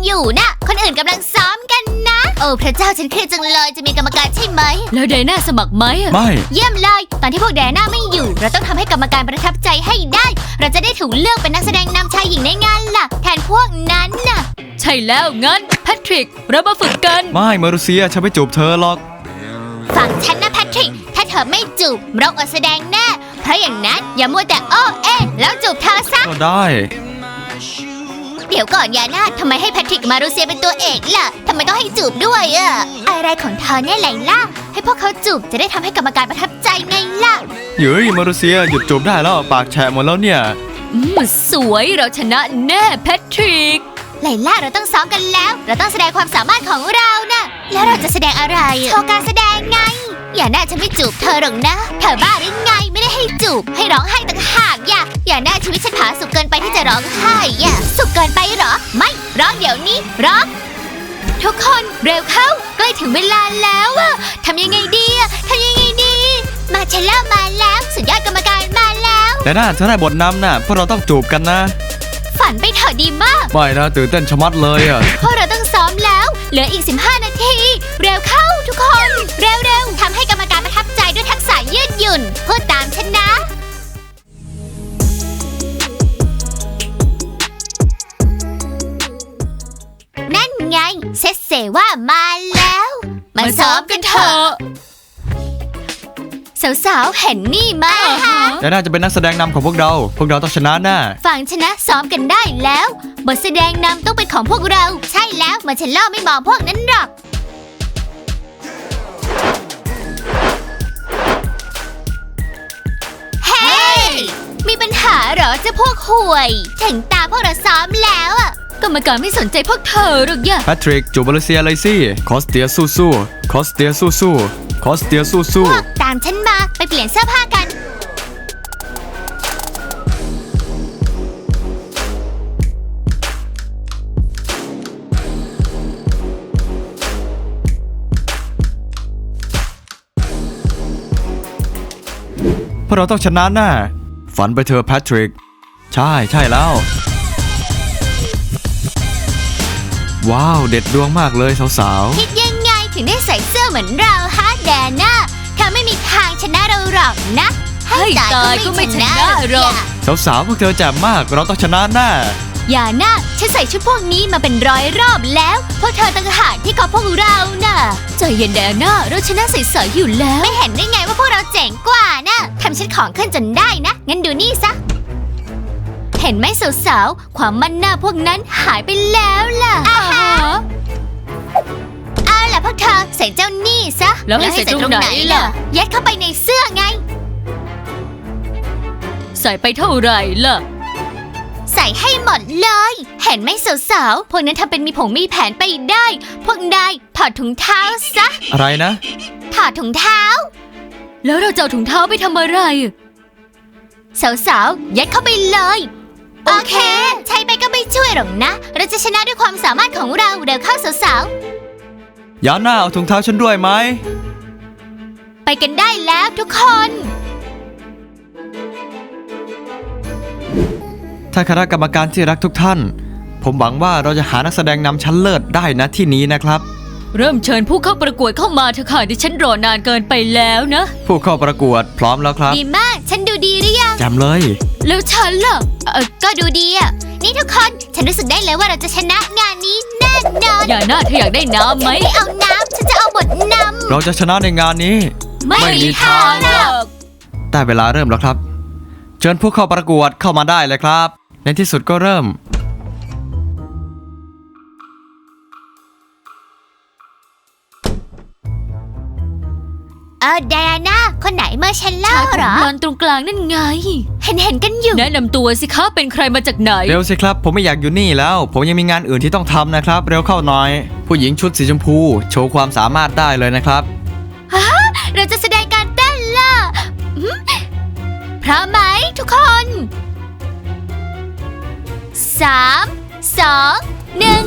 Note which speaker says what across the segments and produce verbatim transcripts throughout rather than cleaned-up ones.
Speaker 1: อยู่นะคนอื่นกำลังซ้อมกันนะโอ้พระเจ้าฉันเครียดจังเลยจะมีกรรมการใช่ไหม
Speaker 2: แล้วไดน่าสมัครไหม
Speaker 3: ไม่
Speaker 1: เยี่ยมเลยตอนที่พวกแดน่าไม่อยู่เราต้องทำให้กรรมการประทับใจให้ได้เราจะได้ถูกเลือกเป็นนักแสดงนำชายหญิงในงานล่ะแทนพวกนั้นน่ะ
Speaker 2: ใช่แล้วงั้นแพทริกเรามาฝึกกัน
Speaker 3: ไม่มารุเซียฉันไม่จูบเธอหรอก
Speaker 1: ฝั่งฉันนะแพทริกถ้าเธอไม่จูบเราอดแสดงแน่เพราะอย่างนั้นอย่ามัวแต่โอ้เอ๊ะแล้วจูบเธอซะ
Speaker 3: ก็ได้
Speaker 1: เดี๋ยวก่อนยาน่าทำไมให้แพทริกมารูเซียเป็นตัวเอกล่ะทำไมต้องให้จูบด้วยอะอะไรของเธอเนี่ยไลล่าให้พวกเขาจูบจะได้ทำให้กรรมการประทับใจไงล่ะ
Speaker 3: เฮ้ยมารุเซียหยุดจูบได้แล้วปากแฉะหมดแล้วเนี่ย
Speaker 2: อืมสวยเราชนะแน่แพทริก
Speaker 1: ไลล่าเราต้องซ้อมกันแล้วเราต้องแสดงความสามารถของเรานะแล้วเราจะแสดงอะไรโชว์การแสดงไงอย่าน่าจะไม่จูบเธอหรอกนะเธอบ้าหรือไงไม่ได้ให้จูบให้ร้องไห้ต่างหากอย่าอย่าน่าชีวิตฉันผาสุกเกินไปที่จะร้องไห้อย่าสุกเกินไปเหรอไม่ร้องเดี๋ยวนี้ร้องทุกคนเร็วเข้าใกล้ถึงเวลาแล้วอะทำยังไงดีอะทำยังไงดีมาเชลล่ามาแล้วสุดยอดกรรมการมาแล้ว
Speaker 3: แต่น่าเธอได้บทนำน่ะพวกเราต้องจูบกันนะ
Speaker 1: ฝันไปเถอะดีมาก
Speaker 3: ไม่นะตื่นเต้นชะมัดเลยอะ
Speaker 1: พวกเราต้องซ้อมแล้วเหลืออีกสิบห้านาทีเร็วเข้าทุกคนเร็วๆทำให้กรรมการประทับใจด้วยทักษะยืดหยุ่นพูดตามฉันนะนั่นไงเซเซว่ามาแล้วมาซ้อมกันเถอะสาวๆเห็นนี่ไหมคะ
Speaker 3: แต่น่าจะเป็นนักแสดงนำของพวกเราพวกเราต้องชนะแน่
Speaker 1: ฝั่งชนะซ้อมกันได้แล้วบทแสดงนำต้องเป็นของพวกเราใช่แล้วมาเชลล่าไม่มองพวกนั้นหรอกเฮ้ยมีปัญหาเหรอเจ้าพวกห่วยถึงตาพวกเราซ้อมแล้วอะ
Speaker 2: กรรมการไม่สนใจพวกเธอหรอกย่า
Speaker 3: แพทริกจูบมาเลเซียเลยสิคอสเตียสู้สู้คอสเตียสู้สู้คอสเตียสู้สู้
Speaker 1: ตามฉันมาไปเปลี่ยนเสื้อผ้ากัน
Speaker 3: พวกเราต้องชนะแน่ฝันไปเถอะแพทริกใช่ใช่แล้วว้าวเด็ดดวงมากเลยสาว
Speaker 1: ๆคิดยังไงถึงได้ใส่เสื้อเหมือนเราฮะแดน่าเธอไม่มีทางชนะเราหรอกนะ
Speaker 2: ให้ตายก็ไม่ชนะหรอก
Speaker 3: สาวๆพวกเธอแจ่มมากเราต้องชนะแน่
Speaker 1: อย่านะฉันใส่ชุดพวกนี้มาเป็นร้อยรอบแล้วพวกเธอต่างหากที่กอบพวกเราน่ะ
Speaker 2: ใจเย็นแดน่าเราชนะใสๆอยู่แล้ว
Speaker 1: ไม่เห็นได้ไงว่าพวกเราเจ๋งกว่านะทำฉันของขึ้นจนได้นะงั้นดูนี่ซะเห็นไหมสาวๆความมั่นหน้าพวกนั้นหายไปแล้วล่ะอาฮะเอาล่ะพวกเธอใส่เจ้านี่ซะ
Speaker 2: แล้วให้ใส่ตรงไหนล่ะ
Speaker 1: ยัดเข้าไปในเสื้อไง
Speaker 2: ใส่ไปเท่าไหร่ล่ะ
Speaker 1: ใส่ให้หมดเลยเห็นไหมสาวๆพวกนั้นทำเป็นมีผงมีแผนไปได้พวกนายถอดถุงเท้าซะ
Speaker 3: อะไรนะ
Speaker 1: ถอดถุงเท้า
Speaker 2: แล้วเราจะเอาถุงเท้าไปทำอะไร
Speaker 1: สาวๆยัดเข้าไปเลยโอเคใช้ไปก็ไม่ช่วยหรอกนะเราจะชนะด้วยความสามารถของเราเร็วเข้าสาว
Speaker 3: ๆยาน่าเอาถุงเท้าฉันด้วยไหม
Speaker 1: ไปกันได้แล้วทุกคน
Speaker 3: ท่านคณะกรรมการที่รักทุกท่านผมหวังว่าเราจะหานักแสดงนำชั้นเลิศได้นะที่นี้นะครับ
Speaker 2: เริ่มเชิญผู้เข้าประกวดเข้ามาเถอะค่ะดิฉันรอนานเกินไปแล้วนะ
Speaker 3: ผู้เข้าประกวดพร้อมแล้วครับ
Speaker 1: ดีมากฉันดูดีหรือยัง
Speaker 3: จำเลย
Speaker 2: แล้วฉันล่ะ
Speaker 1: เออก็ดูดีอ่ะนี่ทุกคนฉันรู้สึกได้เลยว่าเราจะชนะงานนี้แน่นอน
Speaker 2: อย่าหน้าเธออยากได้น้ำไหม
Speaker 1: ไม่เอาน้ำฉันจะเอาบทนำ
Speaker 3: เราจะชนะในงานนี้
Speaker 1: ไม่มีทางหรอก
Speaker 3: แต่เวลาเริ่มแล้วครับเชิญผู้เข้าประกวดเข้ามาได้เลยครับในที่สุดก็เริ่ม
Speaker 1: เออไดอาน่าคนไหนเมอร์เชลล่าเหรอ
Speaker 2: มันตรงกลางนั่นไง
Speaker 1: เห็นเห็นกันอยู่
Speaker 2: แนะนำตัวสิคะเป็นใครมาจากไหน
Speaker 3: เร็วสิครับผมไม่อยากอยู่นี่แล้วผมยังมีงานอื่นที่ต้องทำนะครับเร็วเข้าหน่อยผู้หญิงชุดสีชมพูโชว์ความสามารถได้เลยนะครับ
Speaker 1: ฮะเราจะแสดงการเต้นล่ะพร้อมไหมทุกคนสามสองหนึ่ง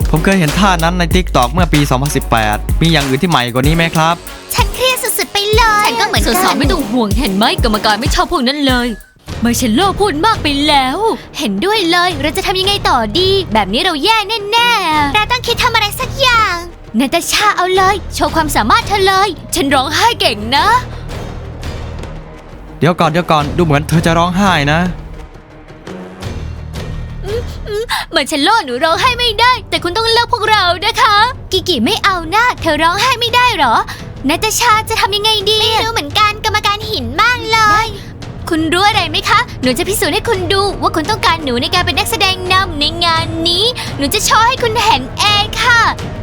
Speaker 3: ผมเคยเห็นท่านั้นใน ติ๊กต็อก เมื่อปี สองพันสิบแปด มีอย่างอื่นที่ใหม่กว่านี้ไหมครับ
Speaker 1: ฉันเครียดสุดๆไปเลย ฉันก็เหมือน
Speaker 2: สา
Speaker 1: กั
Speaker 2: วนๆไม่ต้องห่วงเห็นไหมกรรมการไม่ชอบพวกนั้นเลยไมเชลโลพูดมากไปแล้ว
Speaker 1: เห็นด้วยเลย เราจะทำยังไงต่อดี แบบนี้เราแย่แน่ๆเราต้องคิดทำอะไรสักอย่างนาตาชาเอาเลย โชว์ความสามารถเธอเลย
Speaker 2: ฉันร้องไห้เก่งนะ
Speaker 3: เดี๋ยวก่อนเดี๋ยวก่อนดูเหมือนเธอจะร้องไห้นะ
Speaker 2: ไมเชลโลหนูร้องไห้ไม่ได้ แต่คุณต้องเลิกพวกเรานะคะ
Speaker 1: กิกิไม่เอานะเธอร้องไห้ไม่ได้เหรอนาตาชาจะทำยังไงดี ไม่รู้เหมือนกันกรรมการหินมากเลย คุณรู้อะไรไหมคะ หนูจะพิสูจน์ให้คุณดูว่าคุณต้องการหนูในการเป็นนักแสดงนำในงานนี้ หนูจะโชว์ให้คุณเห็นเองค่ะ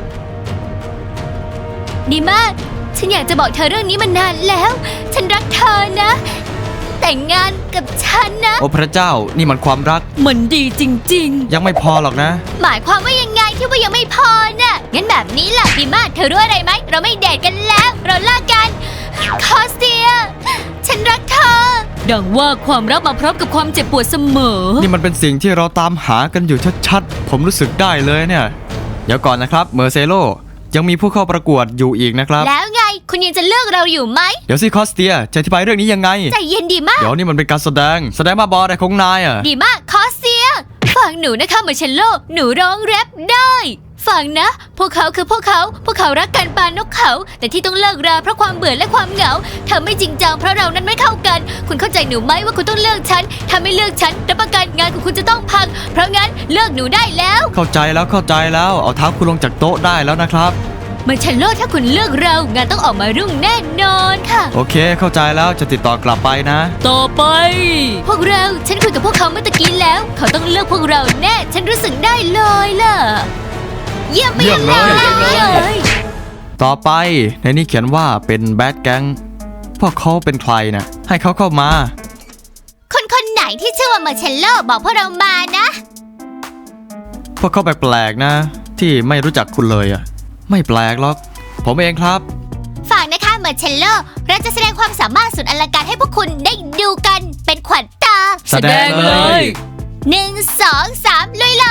Speaker 1: ดีมาก ฉันอยากจะบอกเธอเรื่องนี้มานานแล้ว ฉันรักเธอนะ แต่งงานกับฉันนะ
Speaker 3: โอ้พระเจ้านี่มันความรัก
Speaker 2: มันดีจริง
Speaker 3: ยังไม่พอหรอกนะ
Speaker 1: หมายความว่ายังไงที่ว่ายังไม่พอน่ะ งั้นแบบนี้ล่ะดีมากเธอรู้อะไรไหม เราไม่เดทกันแล้ว เราเลิกกัน คอสเตีย ฉันรักเธอ
Speaker 2: ๆ ดังว่าความรักมาพร้อมกับความเจ็บปวดเสมอ
Speaker 3: นี่มันเป็นสิ่งที่เราตามหากันอยู่ชัดๆ ผมรู้สึกได้เลยเนี่ย เดี๋ยวก่อนนะครับเมอร์เซโลยังมีผู้เข้าประกวดอยู่อีกนะครับ
Speaker 1: แล้วไง คุณยังจะเลือกเราอยู่ไหม
Speaker 3: เดี๋ยวสิคอสเตียจะอธิบายเรื่องนี้ยังไง
Speaker 1: ใจเย็นดีมาก
Speaker 3: เดี๋ยวนี่มันเป็นการแสดง แสดงมาบออะไรของนายอ่ะ
Speaker 1: ดีมาก คอสเตีย
Speaker 2: ฟังหนูนะคะมาเชลโล หนูร้องแรปได้ ฟังนะ พวกเขาคือพวกเขา พวกเขารักกันปานนกเขา แต่ที่ต้องเลิกราเพราะความเบื่อและความเหงาเธอไม่จริงจังเพราะเรานั้นไม่เข้ากัน คุณเข้าใจหนูไหมว่าคุณต้องเลือกฉัน ถ้าไม่เลือกฉันรับประกันงานของคุณจะต้องพัง เพราะงั้นเลิกหนูได้แล้ว
Speaker 3: เข้าใจแล้วเข้าใจแล้วเอาเท้าคุณลงจากโต๊ะได้แล้วนะครับ
Speaker 2: มาเชลโลถ้าคุณเลือกเรา งานต้องออกมารุ่งแน่นอนค่ะ
Speaker 3: โอเค เข้าใจแล้วจะติดต่อกลับไปนะ
Speaker 2: ต่อไป พวกเราฉันคุยกับพวกเขาเมื่อตะกี้แล้ว เขาต้องเลือกพวกเราแน่ ฉันรู้สึกได้เลยล่ะ
Speaker 1: เยี่ยมไป
Speaker 3: เยี่ยมเลย
Speaker 1: เลย
Speaker 3: ต่อไปในนี้เขียนว่าเป็นแบดแก๊งพวกเขาเป็นใครนะให้เขาเข้ามา
Speaker 1: คนคนไหนที่ชื่อว่าเมอร์เชลโลบอกพวกเรามานะ
Speaker 3: พวกเขาแปลกๆนะ ที่ไม่รู้จักคุณเลยอ่ะ ไม่แปลกหรอก ผมเองครับ
Speaker 1: ฝากนะคะเมอร์เชลโล เราจะแสดงความสามารถสุดอลังการให้พวกคุณได้ดูกันเป็นขวัญตา
Speaker 3: แสดงเลย
Speaker 1: หนึ่งสองสามลุยเลย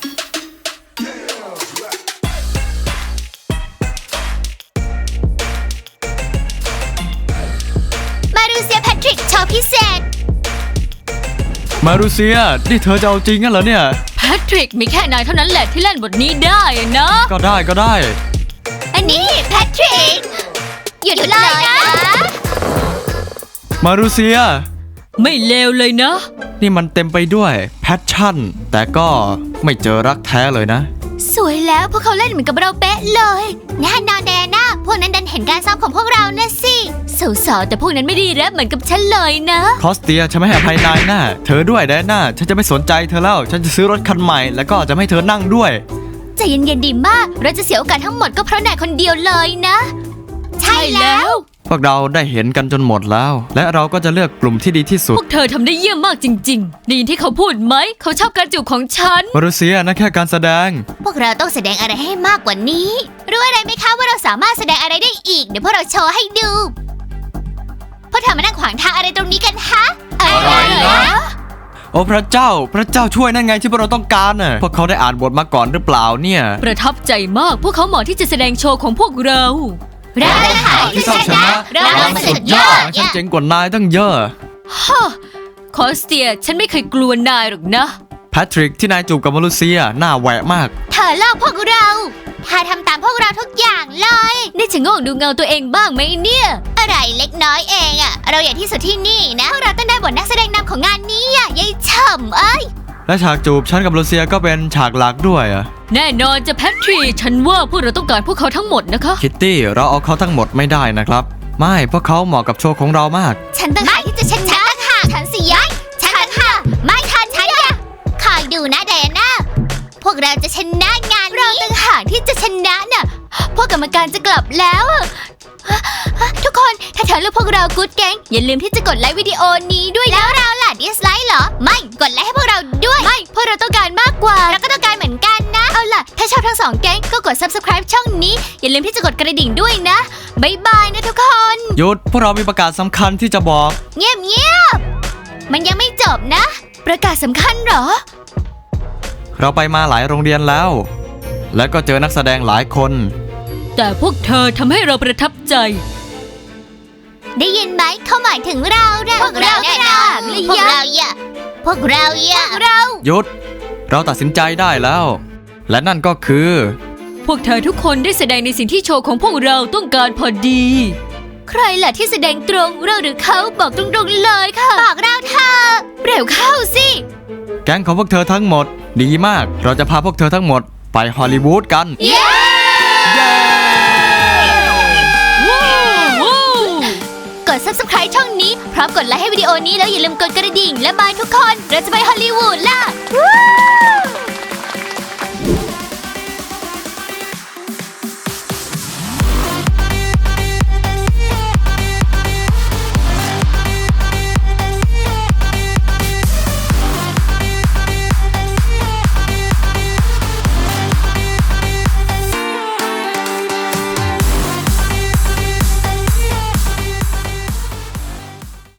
Speaker 1: มารูเซียแพทริกโชว์พิเศษ
Speaker 3: มารูเซียนี่เธอจะเอาจริงงั้นเหรอเนี่ย
Speaker 2: แพทริกมีแค่นายเท่านั้นแหละที่เล่นบทนี้ได้นะ
Speaker 3: ก็ได้ก็ได้
Speaker 1: อันนี้แพทริก หยุดเลยนะ
Speaker 3: มารูเซีย
Speaker 2: ไม่เลวเลยนะ
Speaker 3: นี่มันเต็มไปด้วยแพชชั่น แต่ก็ไม่เจอรักแท้เลยนะ
Speaker 1: สวยแล้วพวกเขาเล่นเหมือนกับเราเป๊ะเลยแน่นอนแดน่าพวกนั้นดันเห็นการซ้อมของพวกเรานะสิสาวๆแต่พวกนั้นไม่ได้แรปเหมือนกับฉันเลยนะ
Speaker 3: คอสเตียฉันไม่ให้อภัยนายนะเธอด้วยแดน่าฉันจะไม่สนใจเธอแล้ว ฉันจะซื้อรถคันใหม่ แล้วก็จะไม่ให้เธอนั่งด้วย
Speaker 1: ใจเย็นๆดีมาก เราจะเสียโอกาสทั้งหมดก็เพราะนายคนเดียวเลยนะ ใช่แล้ว
Speaker 3: พวกเราได้เห็นกันจนหมดแล้ว และเราก็จะเลือกกลุ่มที่ดีที่สุ
Speaker 2: พ
Speaker 3: ด
Speaker 2: วกเธอทำได้เยี่ยมมากจริงๆได้ยินที่เขาพูดไหม เขาชอบการจูบของฉัน
Speaker 3: มารูเซียนั่นแค่การแสดง
Speaker 1: พวกเราต้องแสดงอะไรให้มากกว่านี้ รู้อะไรไหมคะว่าเราสามารถแสดงอะไรได้อีก เดี๋ยวพวกเราโชว์ให้ดูพวกเธอมานั่งขวางทางอะไรตรงนี้กันฮะอะไร
Speaker 3: อะไรนะ โอ้พระเจ้า พระเจ้าช่วยนั่นไงที่พวกเราต้องการน่ะพวกเขาได้อ่านบทมาก่อนหรือเปล่าเนี่ย
Speaker 2: ประทับใจมาก พวกเขาเหมาะที่จะแสดงโชว์ของพวกเรา
Speaker 1: เราจะหาที่ชนะเราเป็นสุดยอด
Speaker 3: ฉันเจ๋งกว่านายตั้งเยอะ
Speaker 2: ฮ่าคอสเตียฉันไม่เคยกลัวนายหรอกนะ
Speaker 3: แพทริกที่นายจูบกับมารูเซียหน้าแหวะมาก
Speaker 1: เธอเล่าพวกเราเธอทำตามพวกเราทุกอย่างเลย
Speaker 2: ได้จะโง่ดูเงาตัวเองบ้างไหมเนี่ย
Speaker 1: อะไรเล็กน้อยเองอะเราใหญ่ที่สุดที่นี่นะพวกเราต้องได้บทนักแสดงนำของงานนี้อะยายฉ่ำเอ้ย
Speaker 3: และฉากจูบฉันกับมารูเซียก็เป็นฉากหลักด้วยอะ
Speaker 2: แน่นอนจะแพทริกฉันว่าพวกเราต้องการพวกเขาทั้งหมดนะคะ
Speaker 3: คิตตี้เราเอาเขาทั้งหมดไม่ได้นะครับ ไม่พวกเขาเหมาะกับโชว์ของเรามาก
Speaker 1: ฉันต่างหากที่จะชนะค่ะฉันสิย้ายฉันต่างหากไม่ทันฉันอะคอยดูนะไดอาน่าพวกเราจะชนะงานนี้เราต่างหากที่จะชนะน่ะพวกกรรมการจะกลับแล้วอะทุกคนถ้าเธอเลือกพวกเรากู๊ดแก๊งอย่าลืมที่จะกดไลค์วิดีโอนี้ด้วยแล้วเราล่ะดิสไลค์เหรอไม่กดไลค์ให้พวกเราด้วยไม่พวกเราต้องการมากกว่าเราก็ต้องการเหมือนกันนะเอาล่ะถ้าชอบทั้งสองแก๊งก็กด ซับสไครบ์ ช่องนี้อย่าลืมที่จะกดกระดิ่งด้วยนะบ๊ายบายนะทุกคน
Speaker 3: หยุดพวกเรามีประกาศสำคัญที่จะบอก
Speaker 1: เงียบเงียบๆมันยังไม่จบนะ ประกาศสำคัญเหรอ
Speaker 3: เราไปมาหลายโรงเรียนแล้วและก็เจอนักแสดงหลายคน
Speaker 2: แต่พวกเธอทำให้เราประทับใจ
Speaker 1: ได้ยินไหมเขาหมายถึงเรานะพวกเราแน่นอนพวกเราอย่าพวกเราอย่าเรา
Speaker 3: หยุด เราตัดสินใจได้แล้ว และนั่นก็คือ
Speaker 2: พวกเธอทุกคนได้แสดงในสิ่งที่โชว์ของพวกเราต้องการพอดี ใครล่ะที่แสดงตรงเราหรือเขาบอกตรงๆเลยค่ะ
Speaker 1: บอกเราเธอ
Speaker 2: เร็วเข้าสิ
Speaker 3: แก๊งของพวกเธอทั้งหมด ดีมาก เราจะพาพวกเธอทั้งหมดไปฮอลลีวูดกัน
Speaker 1: เย้ กด ซับสไครบ์ ช่องนี้พร้อมกดไลค์ให้วิดีโอนี้แล้วอย่าลืมกดกระดิ่งและบายทุกคนเราจะไปฮอลลีวูดล่ะ